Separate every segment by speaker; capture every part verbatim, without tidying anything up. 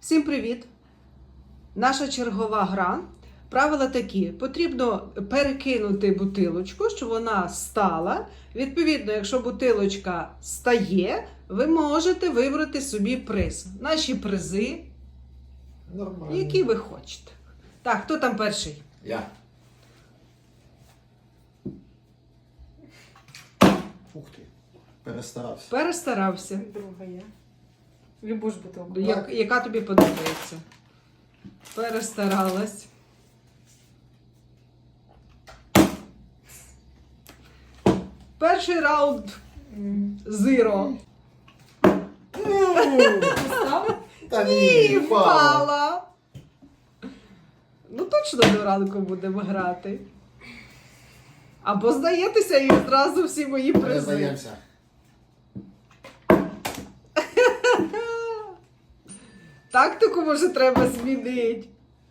Speaker 1: Всім привіт! Наша чергова гра. Правила такі. Потрібно перекинути бутилочку, щоб вона стала. Відповідно, якщо бутилочка стає, ви можете вибрати собі приз. Наші призи,
Speaker 2: Нормально.
Speaker 1: які ви хочете. Так, хто там перший?
Speaker 2: Я. Ух ти. Перестарався.
Speaker 1: Перестарався.
Speaker 3: Друга я. Любу ж бутилку.
Speaker 1: Я- яка тобі подобається? Перестаралась. Перший раунд зіро.
Speaker 3: Став?
Speaker 2: Та
Speaker 1: Ні,
Speaker 2: впала.
Speaker 1: впала. Ну точно до ранку будемо грати. Або здаєтеся і одразу всі мої призи.
Speaker 2: Перездаємося.
Speaker 1: Тактику, може, треба змінити.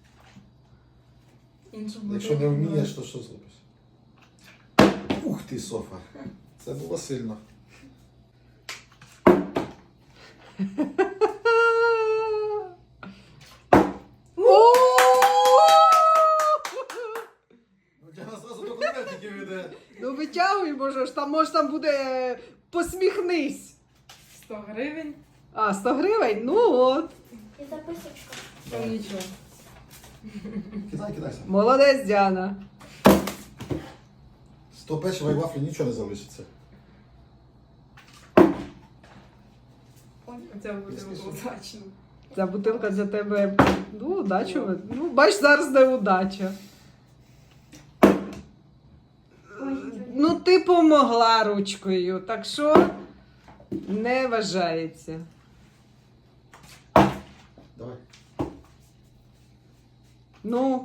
Speaker 3: Іншу
Speaker 2: Якщо не
Speaker 3: бутилку.
Speaker 2: вмієш, то що зробиш? Ух ти, Софа. Це було сильно.
Speaker 1: О!
Speaker 2: Ну, я зразу до конвертиків іде.
Speaker 1: Ну витягуй, може ж там, може там буде посміхнись.
Speaker 3: сто гривень.
Speaker 1: А, сто гривень? Ну от.
Speaker 4: І записочка.
Speaker 3: Там нічого.
Speaker 2: Кидай, кидайся.
Speaker 1: Молодець, Діана.
Speaker 2: Сто печива і вафлі нічого не залишиться.
Speaker 3: Оця буде
Speaker 2: Після
Speaker 3: удачно.
Speaker 1: Ця бутилка для тебе, ну, удачу. Ну, бач, зараз не удача. Ну, ти помогла ручкою, так що не вважається.
Speaker 2: Давай.
Speaker 1: Ну.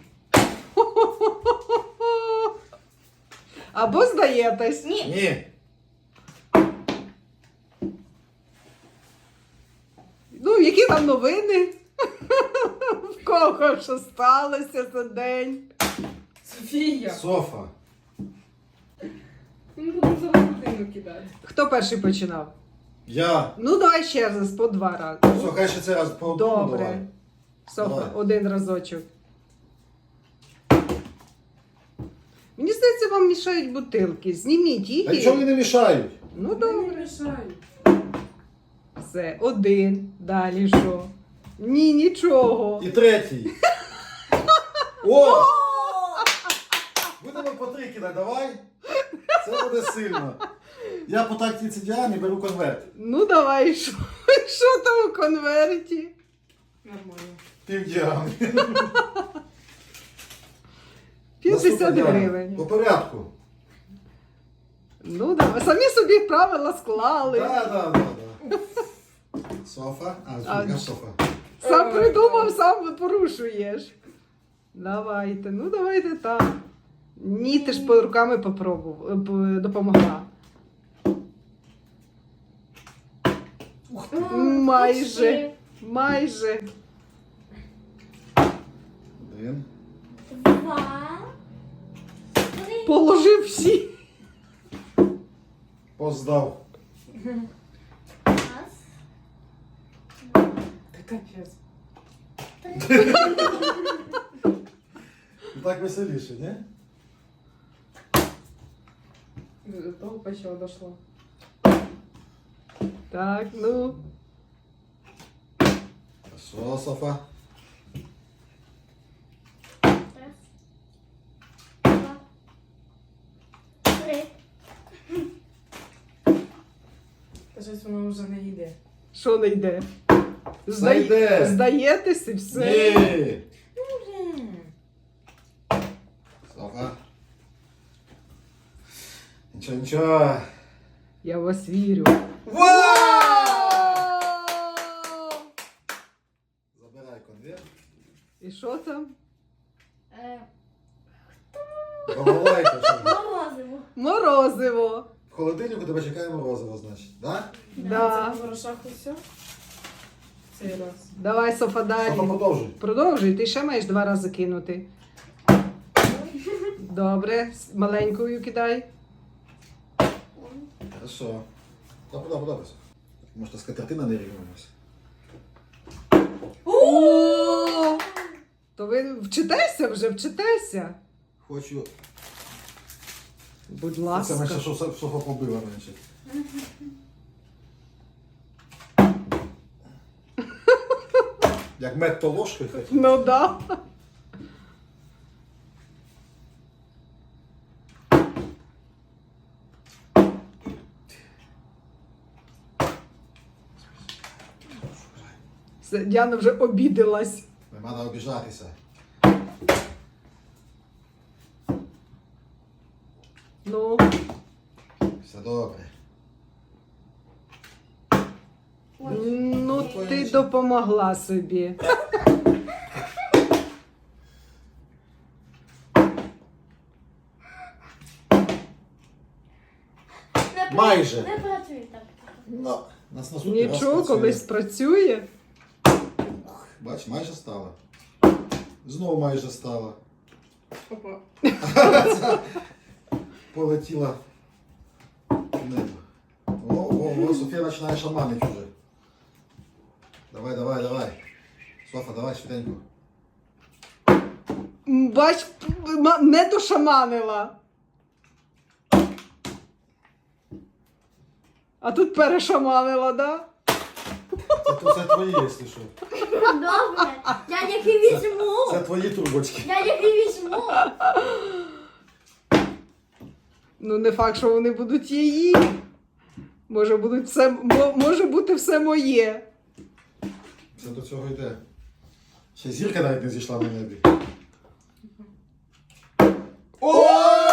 Speaker 1: Або здаєтесь.
Speaker 4: Ні.
Speaker 2: Ні.
Speaker 1: Ну, які там новини? В кого що сталося за день?
Speaker 3: Софія.
Speaker 2: Софа.
Speaker 3: Ми будемо зараз будинок кидати.
Speaker 1: Хто перший починав?
Speaker 2: Я.
Speaker 1: Ну, давай ще раз, по два рази.
Speaker 2: Все, хай ще це раз по одному
Speaker 1: Добре.
Speaker 2: давай.
Speaker 1: Софа,
Speaker 2: Давай.
Speaker 1: один разочок. Мені здається, вам мішають бутилки. Зніміть їх.
Speaker 2: Та
Speaker 1: і-
Speaker 2: нічого мені не мішають.
Speaker 1: Ну,
Speaker 3: Вони не
Speaker 1: добре.
Speaker 3: мішають.
Speaker 1: Все, один. Далі що? Ні, нічого.
Speaker 2: І третій. О! Будемо по три кидати, давай. Це буде сильно. Я по тактиці Діани беру конверт.
Speaker 1: Ну, давай, що? Що там у конверті?
Speaker 3: Нормально.
Speaker 2: Пів Діани.
Speaker 1: п'ятдесят
Speaker 2: Наступна Діана.
Speaker 1: гривень.
Speaker 2: По порядку.
Speaker 1: Ну, давай. Самі собі правила склали.
Speaker 2: Так, так, так. Софа. А,
Speaker 1: А,
Speaker 2: я Софа.
Speaker 1: Сам придумав, сам порушуєш. Давайте, ну давайте так. Ні, ти ж по руками попробував, е, п- допомогла.
Speaker 2: Ух ти.
Speaker 1: Майже. Майже.
Speaker 2: Один.
Speaker 4: Два. Три.
Speaker 1: Положив всі.
Speaker 2: Поздав.
Speaker 4: Раз.
Speaker 3: Та капець.
Speaker 4: Три.
Speaker 2: Так веселіше, ні?
Speaker 3: До того почало дошло.
Speaker 1: Так, ну.
Speaker 2: Що, Софа?
Speaker 4: Раз. Два. Три.
Speaker 3: Та щось воно вже не йде.
Speaker 1: Що не йде?
Speaker 2: Зайде.
Speaker 1: Здаєтесь і все.
Speaker 2: Ні.
Speaker 3: Блін.
Speaker 2: Софа. Нічого, нічого.
Speaker 1: Я в вас вірю.
Speaker 2: Вау! Забирай конверт.
Speaker 1: І що там?
Speaker 4: Е,
Speaker 2: Балалайка, що?
Speaker 4: Морозиво.
Speaker 1: Морозиво.
Speaker 2: В холодильнику тебе чекає морозиво, значить, так?
Speaker 1: Да.
Speaker 3: Це по грошах усе. Цей раз.
Speaker 1: Давай, Софа,
Speaker 2: Софа,
Speaker 1: далі.
Speaker 2: продовжуй.
Speaker 1: Продовжуй, ти ще маєш два рази кинути. Добре, с- маленькою кидай. То ви вчитеся вже, вчитеся.
Speaker 2: Хочу.
Speaker 1: Будь
Speaker 2: Це
Speaker 1: ласка.
Speaker 2: менше, що Софа побила менше. Як мед то ложкою хоч.
Speaker 1: Ну да. Все, Діана вже обідалась.
Speaker 2: Не треба обіжатися.
Speaker 1: Ну,
Speaker 2: Все добре.
Speaker 1: ну ти допомогла собі.
Speaker 4: Не пра-
Speaker 2: Майже.
Speaker 4: Не працює так.
Speaker 2: Ну, нас наступний раз
Speaker 1: Нічого,
Speaker 2: працює.
Speaker 1: колись працює.
Speaker 2: Бач, майже стало. Знову майже стало.
Speaker 3: Опа.
Speaker 2: Полетіла в небо. О, о, о, Софія починає шаманити вже. Давай, давай, давай. Софа, давай швиденько.
Speaker 1: М, Бач, м- не дошаманила. А тут перешаманила, да?
Speaker 2: Це, то- це твої, якщо що.
Speaker 4: Добре. Я їх і візьму.
Speaker 2: Це твої трубочки.
Speaker 4: Я їх і візьму.
Speaker 1: Ну, не факт, що вони будуть її. Може, будуть все, мо- може бути все моє.
Speaker 2: Це до цього йде. Ще зірка навіть не зійшла на небі. О!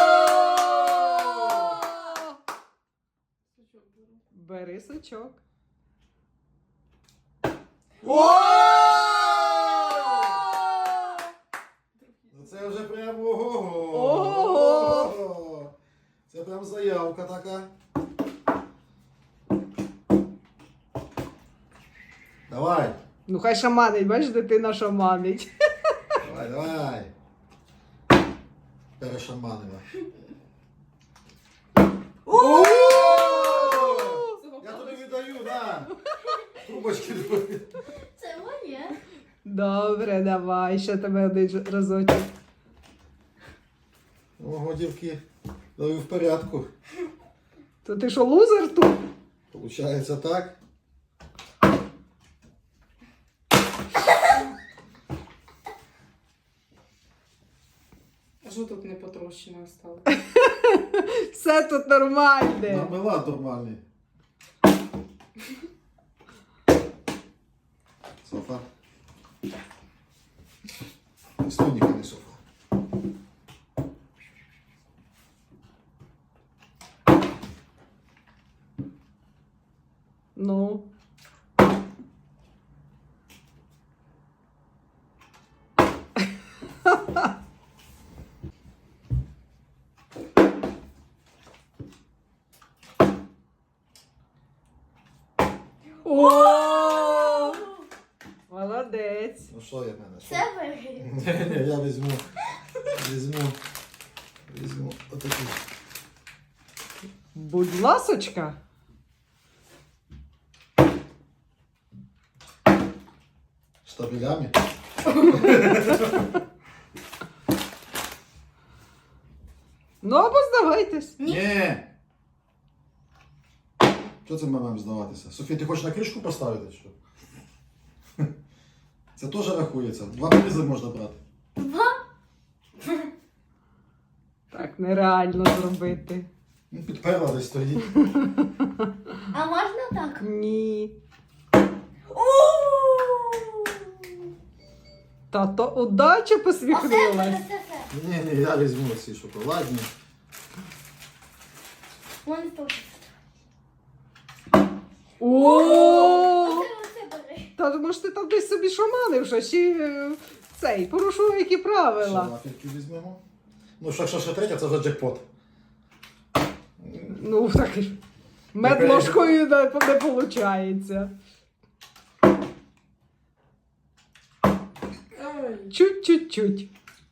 Speaker 1: Бери сачок.
Speaker 2: О! Ну це вже прям ого.
Speaker 1: Ого!
Speaker 2: Це прям заявка така. Давай,
Speaker 1: Ну, хай шаманить, бачиш, дитина шаманить.
Speaker 2: давай, давай. Перешаманила. О! Я тобі віддаю, на. Трубочки твої.
Speaker 4: Це моє.
Speaker 1: Добре, давай, ще тебе один ж- разочок.
Speaker 2: Ого, дівки. Ну і в порядку.
Speaker 1: То ти що, лузер тут?
Speaker 2: Получається так.
Speaker 3: А що тут не потрощено стало?
Speaker 1: Все тут нормальне.
Speaker 2: Мармелад нормальний. Софа. Слоніка не софа.
Speaker 1: Ну. О! Молодець.
Speaker 2: Ну що я в мене? Що?
Speaker 4: Це виграє.
Speaker 2: Ні, ні, я візьму. Візьму. Візьму отакий.
Speaker 1: Будь ласочка.
Speaker 2: Штабелями.
Speaker 1: Ну або здавайтесь.
Speaker 2: Ні. Що це ми маємо здаватися? Софія, ти хочеш на кришку поставити? Що? Це теж рахується. Два призи можна брати.
Speaker 1: Так нереально зробити.
Speaker 2: Ну, підперла десь стоїть.
Speaker 4: А можна так?
Speaker 1: Ні.
Speaker 4: Ууу!
Speaker 1: Тато удача
Speaker 4: Оце,
Speaker 1: посміхнулась.
Speaker 4: це, це, це.
Speaker 2: Ні, ні, я візьму ці шоколадні.
Speaker 4: Вон тут.
Speaker 1: О!
Speaker 4: Оце, оце бери.
Speaker 1: Та може ти там десь собі шаманив, що ще е, цей, порушував які
Speaker 2: Ще
Speaker 1: правила.
Speaker 2: вафельки візьмемо. Ну, що, якщо ще третя, це вже джекпот.
Speaker 1: Ну, так мед
Speaker 2: Не
Speaker 1: ложкою не, не виходить.
Speaker 3: Ой.
Speaker 1: Чуть-чуть-чуть.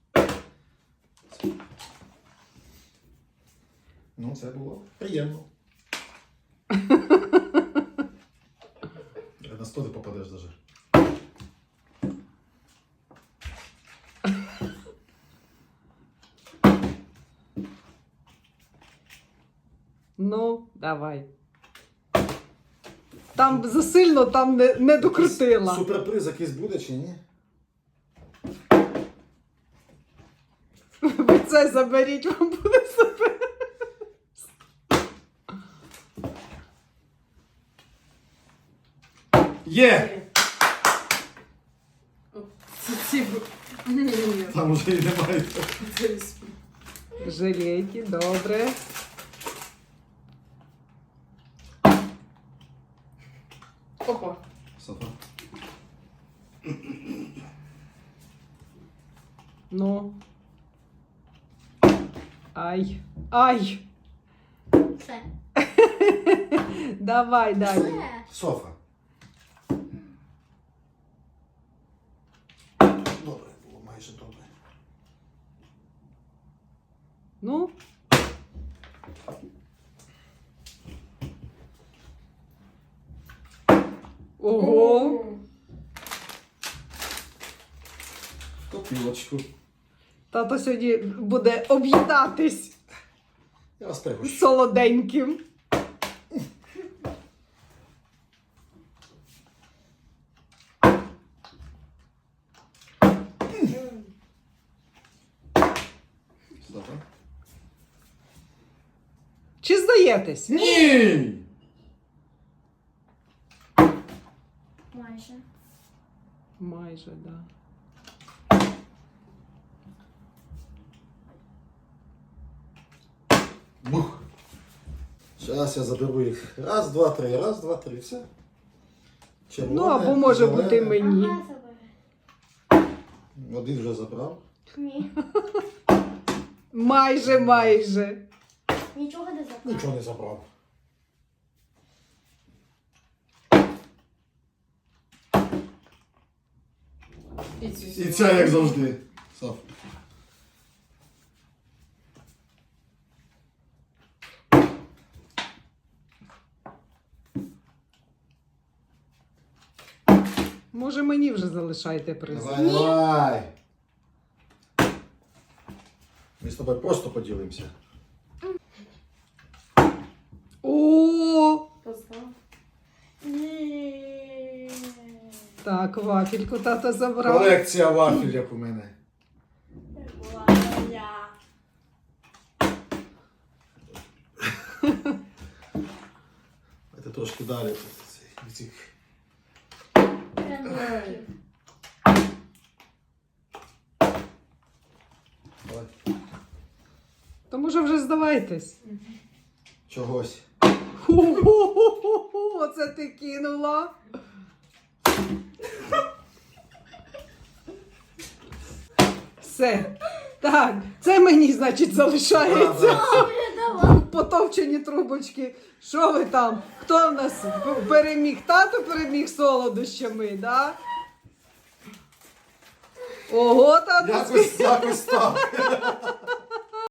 Speaker 2: Ну, це було приємно. На сто ти попадеш даже.
Speaker 1: Ну, давай. Там засильно там не, не докрутила.
Speaker 2: Суперприз якийсь буде чи ні?
Speaker 1: Ви це заберіть, вам буде супер.
Speaker 2: Є!
Speaker 3: От Ці ці б- Ні, ні,
Speaker 2: Там уже і немає.
Speaker 3: це із-
Speaker 1: Жилетки, добре.
Speaker 3: Опа.
Speaker 2: Софа.
Speaker 1: Ну. Ай. Ай.
Speaker 4: Все.
Speaker 1: Давай далі.
Speaker 4: Все.
Speaker 2: Софа. Добре, було майже добре.
Speaker 1: Ну. Ого.
Speaker 2: Копілочку.
Speaker 1: Тато сьогодні буде об'їдатись
Speaker 2: Я вас пригощу.
Speaker 1: солоденьким.
Speaker 2: Софа.
Speaker 1: Чи здаєтесь?
Speaker 2: Ні!
Speaker 4: Майже.
Speaker 1: Майже, так. Да.
Speaker 2: Бух. Зараз я заберу їх. Раз, два, три. Раз, два, три. Все. Червоне,
Speaker 1: Ну, або може
Speaker 2: зелене.
Speaker 1: бути мені.
Speaker 4: Ага, забери.
Speaker 2: Один вже забрав.
Speaker 4: Ні.
Speaker 1: Майже, майже.
Speaker 4: Нічого не забрав.
Speaker 2: Нічого не забрав.
Speaker 3: І цю
Speaker 2: І
Speaker 3: сюди.
Speaker 2: ця як завжди. Соф.
Speaker 1: Може мені вже залишайте приз.
Speaker 2: Давай, давай. Ми з тобою просто поділимося.
Speaker 1: О!
Speaker 3: Постав.
Speaker 4: Ні.
Speaker 1: Так, вафельку тата забрав.
Speaker 2: Колекція вафель, як у мене.
Speaker 4: Валя.
Speaker 2: Це трошки далі. від цих.
Speaker 4: Пряники.
Speaker 2: Давай.
Speaker 1: То може вже здавайтесь.
Speaker 2: Чогось.
Speaker 1: Ху-ху-ху-ху, оце ти кинула. Все. Так, це мені, значить, залишається.
Speaker 2: Правда.
Speaker 4: Давай.
Speaker 1: Потовчені трубочки. Що ви там? Хто в нас переміг? Тато переміг солодощами, да? Ого, тато.
Speaker 2: Якось, якось так.